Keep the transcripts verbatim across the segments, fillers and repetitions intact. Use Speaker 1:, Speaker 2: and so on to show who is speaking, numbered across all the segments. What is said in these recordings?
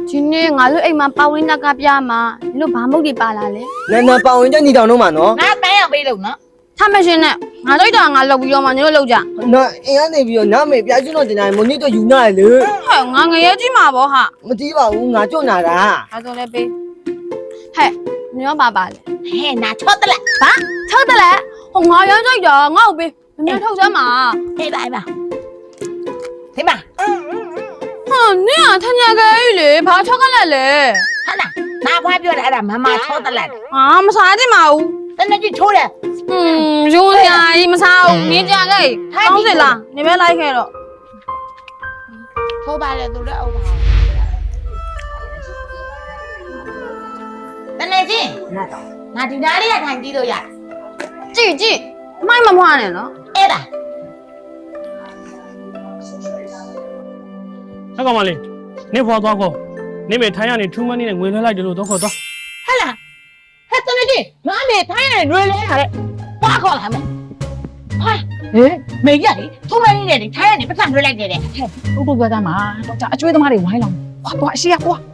Speaker 1: ဒီနေ့ငါတို့အိမ်မှာပဝင်းတက်ကပြမှာလို့ဘာမုတ်တွေပါလာလဲ
Speaker 2: နာနာပဝင်ကြညီတောင်တော့မှာနော်
Speaker 3: ငါတန်းရောက်ပေးလို့နော်
Speaker 1: ထားမရှင်နဲ့ငါတို့တော့ငါလောက်ပြီးတော့မှညတို့လောက်ကြ
Speaker 2: နော်အင်းကနေပြီးတော့နားမေပြကျွန်းတော့တင်တိုင်းမနီတော့ယူနာလေ
Speaker 1: ဟဲ့ငါငရဲကြီးမှာဗောဟာ
Speaker 2: မတီးပါဘူးငါကြွနာတာ
Speaker 1: အဲ့တော့လည်းပေးဟဲ့ညောပါပါလေ
Speaker 3: ဟဲ့နာချော့တလက်
Speaker 1: ဘာထောက်တယ်လေဟိုငါရမ်းကြိုက်တာငါ့ကိုပေးမင်းထောက်စမ်းမှာ
Speaker 3: အေးပါအေးပါဒီမှာ
Speaker 1: ဟာနင်ကထညာကလေးလေဘာချောက်ကလက်လဲ
Speaker 3: ဟာနာနာဖွားပြောတယ်အဲ့ဒါမမချော့တလက်
Speaker 1: ဟာမစားကြည့်ပါဘူး
Speaker 3: တနေ့ကြီးချိုးတယ်
Speaker 1: ဟွန်းရိုးစရာကြီးမစားဘူးနင်းကြခဲ့ကောင်းစင်လားနေမဲလိုက်ခဲ့တော့
Speaker 3: ထိုးပါလေသူလည်းအုပ်ပါတနေ့ကြီးငါတော့ငါဒီနားလေးကထိုင်ကြည့်လို့ရ
Speaker 1: ကြည့်ကြည့်မိုက်မမွားနဲ့နော်
Speaker 3: အဲ့ဒါ
Speaker 4: အကောင်မလေးနေဖွာသွားခေါ်နေမေထိုင်းရနေထူးမန်းနေနဲ့ငွေလွှဲလိုက်တယ်လို့တော့ခေါ်သွား
Speaker 3: ဟဲ့လားဟဲ့တနေ့ကြီးငါမေထိုင်းရတယ်ရွေလဲရတယ်ဘာခေါ်လာမလဲဟာဟဲ့မေရည်ထုံးမင်းနေတယ်ထိုင်းရတယ်ပတ်စံရွေလိုက်တယ်တဲ့
Speaker 5: ဟုတ်တော့ပြောသားမှာတော့ကြာအကျွေးသမားတွေဝိုင်းလောင်ကွာကွာအရှိရကွာ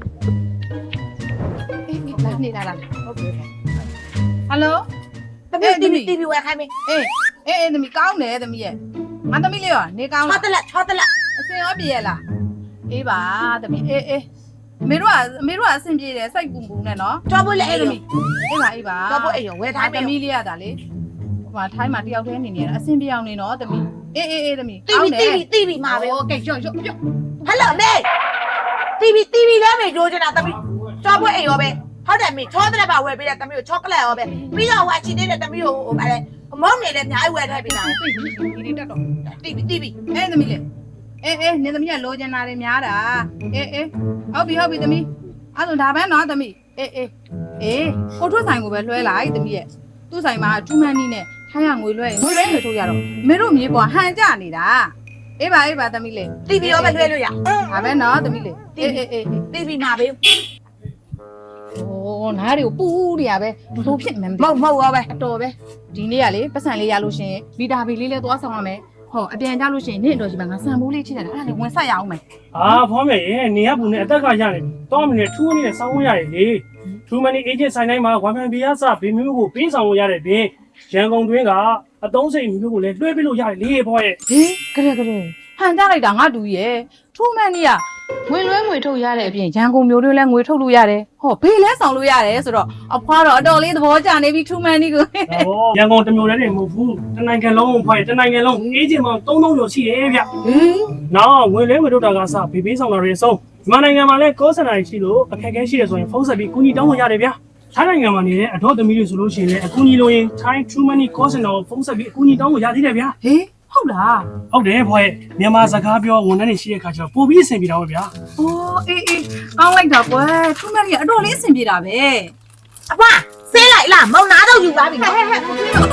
Speaker 5: အေးလာနေလာလာဟုတ်ပြီဟယ်လို
Speaker 3: တပည့်တီဗီတီဗီဝယ်ခိုင်းမေ
Speaker 5: အေးအေးအေးသမီးကောင်းတယ်သမီးရဲ့ငါသမီးလေးရောနေကောင်း
Speaker 3: ချော့
Speaker 5: လား
Speaker 3: တလက်ချော့တလက်
Speaker 5: အစင်ရောပြေရလားအေးပါသမီးအေးအေးအမေတို့ကအမေတို့ကအဆင်ပြေတယ်စိတ်ပူပူနဲ့နော်
Speaker 3: ကြောဖို့လေအဲ့
Speaker 5: သမ
Speaker 3: လို
Speaker 5: ီးအေးပါအေးပါ
Speaker 3: ကြောဖို့အဲ့ရောဝယ်
Speaker 5: ဒါ
Speaker 3: ထား
Speaker 5: သ
Speaker 3: မေ
Speaker 5: မီးလေးရတာလေဟိုမှာထိုင်းမှာတယောက်တည်းနေနေရတာအဆင်ပြေအောင်နေနော်သမီးအေးအေးအေးသမီး
Speaker 3: တီဗီတီဗီတီဗီမှာပဲ
Speaker 5: โอเคကြောက်ကြောက်ကြောက်
Speaker 3: ဟယ်လိုမေတီဗီတီဗီလည်းမေလိုချင်တာတပည့်ကြောဖို့အဲ့ရောပဲဟုတ်တယ်မေချောတလက်ပါဝယ်ပေးတယ်တမီးကိုချောကလက်ရောပဲပြီးတော့ဟိုအချီနေတဲ့တမီးကိုဟိုဗါလဲမုန်းနေလည်းအများကြီးဝယ်ထားပေးတာ
Speaker 5: ဒီဒီတက်တော့
Speaker 3: တီဗီတီဗီ
Speaker 5: အေးသမီးလေးအေးအေးနေသမီးကလိုချင်တာတွေများတာအေးအေးဟုတ်ပြီဟုတ်ပြီသမီးအဲ့ဒါဒါပဲနော်သမီးအေးအေးအေးကိုထွတ်ဆိုင်ကိုပဲလွှဲလိုက်သမီးရဲ့သူ့ဆိုင်မှာထူးမန်းနီးနဲ့ထိုင်းရငွေလွှဲရင်ငွေလွှဲငွေထုတ်ရတော့မင်းတို့မြေပေါ်ဟန်ကြနေတာအေးပါအေးပါသမီးလေး
Speaker 3: တီဗီရောပဲလွှဲလို့ရ
Speaker 5: ဒါပဲနော်သမီးလေးအေးအေးအေး
Speaker 3: တီဗီမှာပဲ
Speaker 5: โอ้နားတွေကိုပူးနေရပဲဘလို့ဖြစ်နေမှမ
Speaker 3: မဟုတ်မဟုတ်ရောပဲ
Speaker 5: အတော်ပဲဒီနေ့ကလေပတ်စံလေးရလို့ရှင်ဗီတာဘီလေးလဲသွားဆောင်ရမယ်ဟောအပြန်ကြလို့ရှင်နေ့အတော်ကြီးမှာငါဆန်မိုးလေးချိတယ်အဲ့ဒါလေးဝင်ဆက်ရအောင်မယ်
Speaker 4: အာဖောမေရဲ့နေရဘူးနဲ့အသက်ကရနေပြီတောင်းမနေထူးမနေနဲ့စောင်းရရတယ်လေထူးမနေအေဂျင့်ဆိုင်တိုင်းမှာဝမ်ဖန်ဘီယာစဘေမျိုးကိုပေးဆောင်လို့ရတဲ့ပြင်ရန်ကုန်တွင်းကအတုံးစိတ်မျိုးကိုလည်းလွှဲပေးလို့ရတယ်လေဖောရဲ့
Speaker 5: ဟေးကြရဲကြရဲဟန်ကြလိုက်တာငါတူရဲ့ထူးမန်းကြီးကငွေလွှဲငွေထုတ်ရတဲ့အပြင်ရန်ကုန်မျိုးတွေလည်းငွေထုတ်လို့ရတယ်ဟောဘေးလဲဆောင်လို့ရတယ်ဆိုတော့အဖွားတော့အတော်လေးသဘောကျနေပြီထူးမန်းကြီးကို
Speaker 4: ဟောရန်ကုန်တစ်မျိုးတည်းနေမဟုတ်ဘူးတနိုင်ငံလုံးဖောရဲ့တနိုင်ငံလုံးအေဂျင့်ပေါင်းသုံးသောင်းကျော်ရှိတယ်ဗျ
Speaker 5: ဟေး
Speaker 4: နောက်ငွေလဲငွေထုတ်တာကစဘေပေးဆောင်တာတွေအဆုံးမြန်မာနိုင်ငံမှာလည်းကောစနာရှိလို့အခက်အခဲရှိတယ်ဆိုရင်ဖုန်းဆက်ပြီးကူညီတောင်းလို့ရတယ်ဗျထိုင်းနိုင်ငံမှာနေတဲ့အတော့သမီးတွေဆိုလို့ရှိရင်လည်းအကူအညီလိုရင် Thai True Money Call Center ကိုဖုန်းဆက်ပြီးအကူအညီတောင်းလို့ရသေးတယ်ဗျာ
Speaker 5: ဟေးဟုတ်လား
Speaker 4: ဟုတ်တယ်ဖော်ရဲ့မြန်မာစကားပြောဝန်ထမ်းတွေရှိတဲ့ခါကျတော့ပို့ပြီးအဆင်ပြေတာပဲဗျာ
Speaker 5: ။အော်အေးအေးကောင်းလိုက်တာကွယ်။ထူးမန်းကြီးကအတော်လေးအဆင်ပြေတာပဲ
Speaker 3: အဖွားဆေးလိုက်လားမောင်နာတော့ယူပါပြီ
Speaker 5: ။ဟဲ့ဟဲ့ဟဲ့